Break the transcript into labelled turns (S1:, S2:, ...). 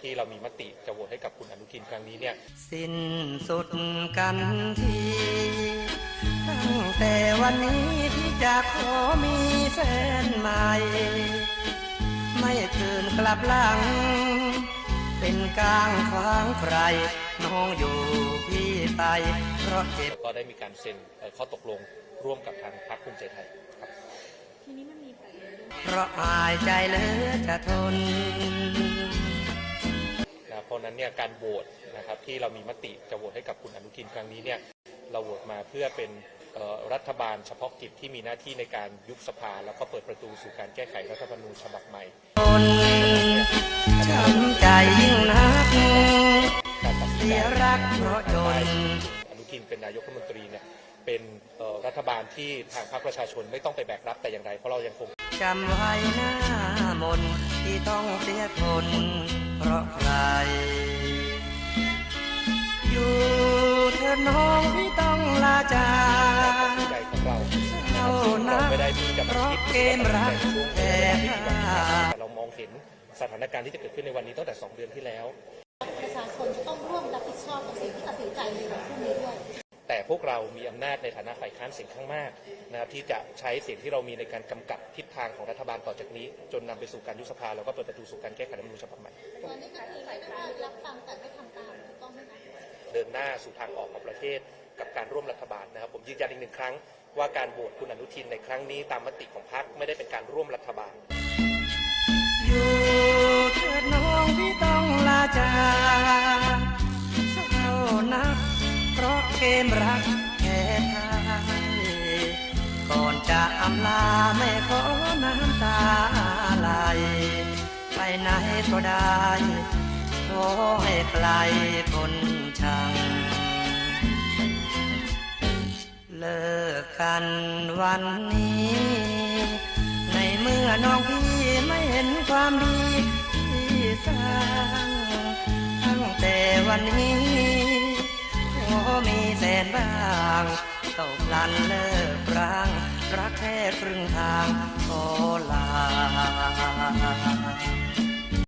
S1: ที่เรามีมติจะโหวตให้กับคุณอนุทินครั้งนี้เนี่ย
S2: สิ้นสุดกันทีตั้งแต่วันนี้ที่จะขอมีแฟนใหม่ไม่คืนกลับหลังเป็นกลางขวางใครน้องอยู่พี่ไปเพราะเจ็บ
S1: ก็ได้มีการเซ็นข้อตกลงร่วมกับทางพรรคภูมิใจไทยครับ
S3: ทีนี้มันมีประเด็น
S2: เพราะอายใจเหลือจะทน
S1: เพราะนั้นเนี่ยการโหวตนะครับที่เรามีมติจะโหวตให้กับคุณอนุทินครั้งนี้เนี่ยเราโหวตมาเพื่อเป็นรัฐบาลเฉพาะกิจที่มีหน้าที่ในการยุบสภาแล้วก็เปิดประตูสู่การแก้ไขรัฐธรรมนูญฉบับใหม่
S2: ช้ำใจยิ่งนักเสียรักเพราะจน
S1: อนุทินเป็นนายกรัฐมนตรีเนี่ยเป็นรัฐบาลที่ทางพรรคประชาชนไม่ต้องไปแบกรับแต่อย่างไรเพราะเรายังคง
S2: จำไว้หน้ามนที่ต้องเสียทนเพราะใครอยู่เธอน้องที่ต้องลาจาก
S1: ใจของเรา
S2: ไม่ได้มีกับคิดเกมรักแต่
S1: เรามองเห็นสถานการณ์ที่จะเกิดขึ้นในวันนี้ตั้งแต่2 เดือนที่แล้ว
S3: ประชาชนจะต้องร่วมรับผิดชอบกับสิ่งที่ตัดสินใจในวันพรุ่งนี้ด้วย
S1: แต่พวกเรามีอำนาจในฐานะฝ่ายค้านเสียงข้างมากนะครับที่จะใช้เสียงที่เรามีในการกำกับทิศทางของรัฐบาลต่อจากนี้จนนำไปสู่การยุบสภาแล้วก็เปิดประตูสู่การแก้ไขรัฐธรรมนูญฉบับใหม่
S3: ตอนนี้ก็คือฝ่ายค้านรับฟังแต่ไม่ทำตามถูกต้องไหมคะ
S1: เดินหน้าสู่ทางออกของประเทศกับการร่วมรัฐบาลนะครับผมยืนยันอีก1 ครั้งว่าการโหวตคุณอนุทินในครั้งนี้ตามมติของพรรคไม่ได้เป็นการร่วมรัฐบาล
S2: อยู่เถิดน้องที่ต้องลาจากเศร้านักเพราะเกมรักแค่ไทยก่อนจะอำลาไม่ขอน้ำตาไหลไปไหนก็ได้ขอให้ไกลพ้นชังเลิกกันวันนี้ในเมื่อน้องพี่ไม่เห็นความดีที่สร้างตั้งแต่วันนี้ขอมีแสนบ้างตกลันเลิกร้างรักแค่ครึ่งทางขอลา